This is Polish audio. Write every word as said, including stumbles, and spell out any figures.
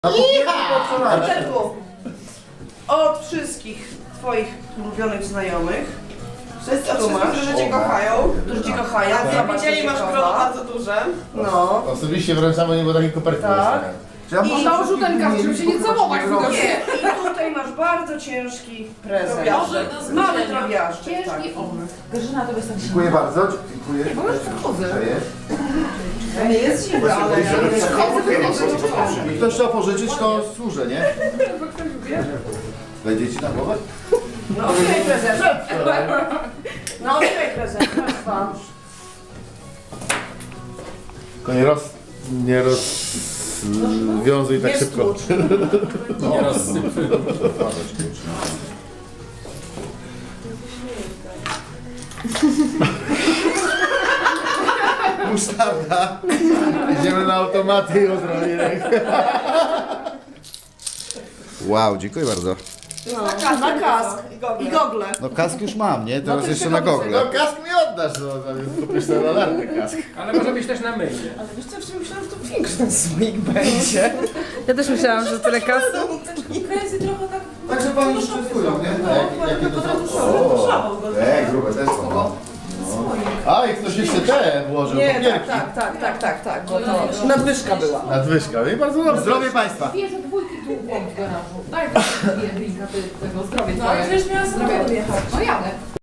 Peterku, od wszystkich twoich ulubionych znajomych, wszyscy tu masz, Którzy cię kochają, którzy cię kochają, jak zobacz, widzieli, co masz cię grono kocha. bardzo duże. No. Osobiście wręczamy niebo takiej koperty. Tak. I założył ten kask, żeby się nie całować w Nie, i tutaj masz bardzo ciężki prezent. Drobiażdżek. Mały drobiażdżek, tak. Ciężki on. Grażyna, to wystarczy. Dziękuję bardzo. Dziękuję. Bo już przechodzę. To nie jest zimno, ale ja nie Jak ktoś chciał pożyczyć, to służę, nie? Wejdzie ci na głowę? No otwieraj prezent. No otwieraj prezent, masz pan. Tylko nie roz... nie rozwiązuj tak Nie szybko. stłucz. Nie rozsypuj. Musztarda. Idziemy na automaty i odrobinek. Wow, dziękuję bardzo. No, na kask i gogle. No kask już mam, nie? Teraz to jeszcze jeszcze na dobrze. gogle. No kask mi oddasz, no zamiast kupisz sobie latarkę kask. Ale może być też na myjnie. Ale wiesz co, ja myślałam, że to większy ten słoik będzie. Ja też myślałam, że tyle kasy. Krezy trochę tak... Także pani już testują, nie? No, Jakie potem to poszło go. Ej, grube też są. no. A, i ktoś jeszcze te włożył, Nie, tak, papierki. tak, tak, tak, tak, tak, bo to nadwyżka była. Nadwyżka, no i bardzo dobrze. Zdrowie Państwa. Bierze dwójki tu w garażu. Daj dwie drinka ty- tego zdrowie No, ale twoje. przecież miała zdrowie odjechać. No jadę.